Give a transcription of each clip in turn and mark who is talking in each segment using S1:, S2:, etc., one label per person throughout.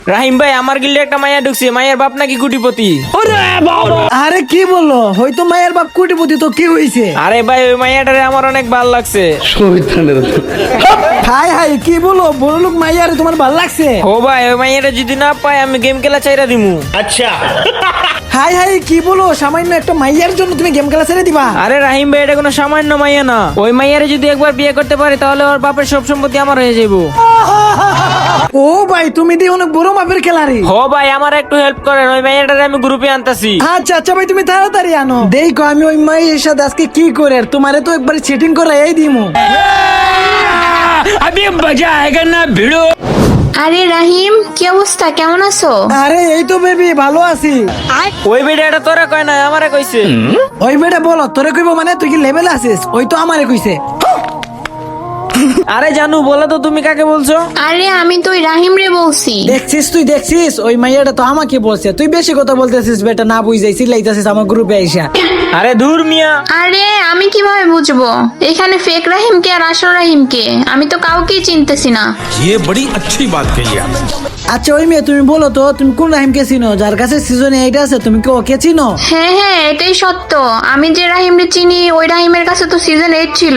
S1: রাহিম ভাই, আমার গিল্ডে একটা মাইয়া ঢুকছে, মাইয়ার বাপ নাকি কোটিপতি।
S2: আরে কি বললো, হয়তো মায়ের বাপ কোটিপতি, তো কি হয়েছে?
S1: আরে ভাই, ওই মাইয়াটারে আমার অনেক ভালো লাগছে।
S2: হাই হাই, কি বলো, বড় লোক মাইয়ারে তোমার ভালো লাগছে?
S1: ও ভাই, ওই মাইয়াটা যদি না পাই আমি গেম খেলা চাইরা দিমু।
S2: হাই হাই, কি বলো, সামান্য একটা মাইয়ার জন্য তুমি গেম খেলা ছেড়ে দিবা?
S1: আরে রাহিম ভাই, এটা কোনো সামান্য মাইয়া না। ওই মাইয়ারে যদি একবার বিয়ে করতে পারি তাহলে ওর বাপের সব সম্পত্তি আমার হয়ে যাবো।
S2: ও ভাই, তুমি দিয়ে অনেক বড় মাপের খেলারি।
S1: ও ভাই, আমার একটু হেল্প করেন, ওই মাইয়াটারে আমি গ্রুপে আনতাছি।
S2: আচ্ছা আচ্ছা ভাই, তুমি তাড়াতাড়ি আনো। দেখো আমি ওই মাইয়ের সাথে আজকে কি করে, আর তোমারে তো একবার চিটিং করে এই দিমু।
S1: আবে মজা আয়েগা না ভিড়ো।
S3: আরে রাহিম, কি অবস্থা, কেমন আছো?
S2: আরে এই তো বেবি, ভালো আছি।
S1: ওই বেটা তোরা কয় না, আমারে কইছে।
S2: ওই বেটা বলো, তোরে কইব মানে, তুই কি লেভেল আছিস? ওই তো আমারে কইছে।
S1: আরে জানু, বলো তো তুমি কাকে বলছো?
S3: আরে আমি তো ওই রাহিম রে বলছি।
S2: দেখছিস, তুই দেখছিস, ওই মাইয়াটা তো আমাকে বলছে। তুই বেশি কথা বলতেছিস বেটা, না বুঝাই চিল্লাইতেছিস আমার গ্রুপে আইসা।
S1: আরে দূর মিয়া।
S3: আরে আমি কিভাবে বুঝবো এখানে ফেক রাহিম কে আর আসল রাহিম কে? আমি তো কাউকেই চিনতেছি না।
S4: ये बड़ी अच्छी बात कही आपने।
S2: আচ্ছা ওই মেয়ে, তুমি বলো তো, তুমি কোন রাহিমকে চিনো? যার কাছে সিজনে 8 আছে, তুমি কি ওকে চিনো?
S3: হ্যাঁ হ্যাঁ, এটাই সত্য। আমি যে রাহিম রে চিনি, ওই রাহিমের কাছে তো সিজন 8 ছিল।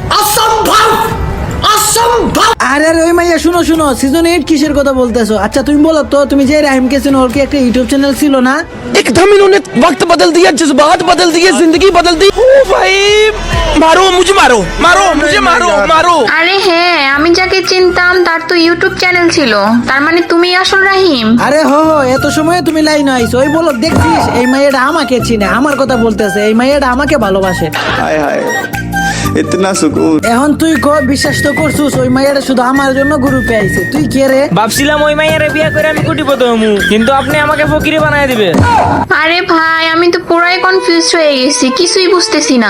S2: আরে আরে ওই মাইয়া, শুনো শুনো, সিজন 8 কিসের কথা বলতেছো? আচ্ছা তুমি বলো তো, তুমি যে রাহিমকে চিনো, ওর কি একটা ইউটিউব চ্যানেল ছিল না?
S5: एकदम इन्होंने वक्त बदल दिया, जज्बात बदल दिए, जिंदगी बदल दी। ओ भाई, मारो मुझे, मारो मारो मुझे, मारो मारो।
S3: আরে হ্যাঁ, আমি যাকে চিনতাম তার তো ইউটিউব চ্যানেল ছিল। তার মানে তুমি আসল রাহিম?
S2: আরে হো হো, এত সময় তুমি লাইন আইছো। ওই বলো, দেখছিস, এই মাইয়াটা আমাকে চিনে, আমার কথা বলতেছে। এই মাইয়াটা আমাকে ভালোবাসে।
S6: हाय हाय इतना सुकून।
S2: এখন তুই বিশ্বাস তো করছিস, ওই মাইয়াটা শুধু আমার জন্য গ্রুপে আইছে। তুই কে রে?
S1: ভাবছিলাম ওই মাইয়ারে বিয়ে করে আমি কোটিপতি হমু, কিন্তু আপনি আমাকে ফকিরি বানায় দিবেন।
S3: আরে ভাই, আমি তো পুরাই কনফিউজ হয়ে গেছি, কিছুই বুঝতেছি না।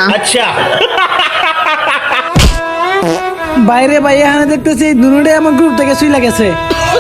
S2: বাইরে ভাই, এখানে দেখতেছি দুটোটাই আমার গ্রুপ থেকে চলে গেছে।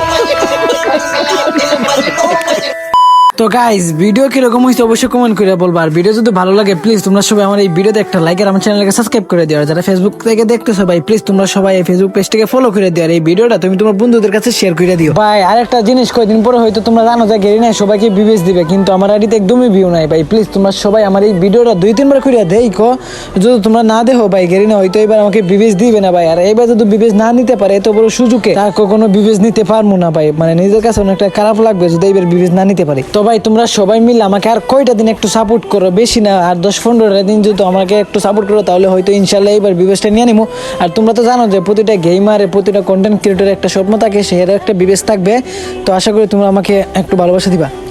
S2: তো গাইস, ভিডিও কিরকম হয়েছে অবশ্যই কমেন্ট করে বলবা। আর ভিডিও যদি ভালো লাগে প্লিজ তোমরা সবাই আমার এই ভিডিওতে একটা লাইক আর আমার চ্যানেলকে সাবস্ক্রাইব করে দিও। আর যারা ফেসবুক থেকে দেখতেছো ভাই, প্লিজ তোমরা সবাই এই ফেসবুক পেজটাকে ফলো করে দিও। আর এই ভিডিওটা তুমি তোমার বন্ধুদের কাছে শেয়ার করে দিও। ভাই আরেকটা জিনিস, কয়েকদিন পরে হয়তো তোমরা জানো যে গেরিনা সবাইকে বিবেচ দিবে, কিন্তু আমার আইডিতে একদমই ভিউ নাই ভাই। প্লিজ তোমরা সবাই আমার এই ভিডিওটা 2-3 বার করে দেখো। যদি তোমরা না দেখো ভাই, গেরিনা হয়তো এবার আমাকে বিবেচ দিবে না ভাই। আর এইবার যদি বিবেচ না নিতে পারে, এত বড় সুযোগে তার কখনো বিবেচ নিতে পারবো না ভাই। মানে নিজের কাছে অনেকটা খারাপ লাগবে যদি এইবার বিবেচ না নিতে পারে। তো ভাই তোমরা সবাই মিলে আমাকে আর কয়টা দিন একটু সাপোর্ট করো, বেশি না, আর 10-15টা দিন যদি আমাকে একটু সাপোর্ট করো, তাহলে হয়তো ইনশাল্লাহ এইবার বিবেচটা নিয়ে নিবো। আর তোমরা তো জানো যে প্রতিটা গেমারের, প্রতিটা কন্টেন্ট ক্রিয়েটরের একটা স্বপ্ন থাকে, সেটার একটা বিবেচ থাকবে। তো আশা করি তোমরা আমাকে একটু ভালোবাসা দিবা।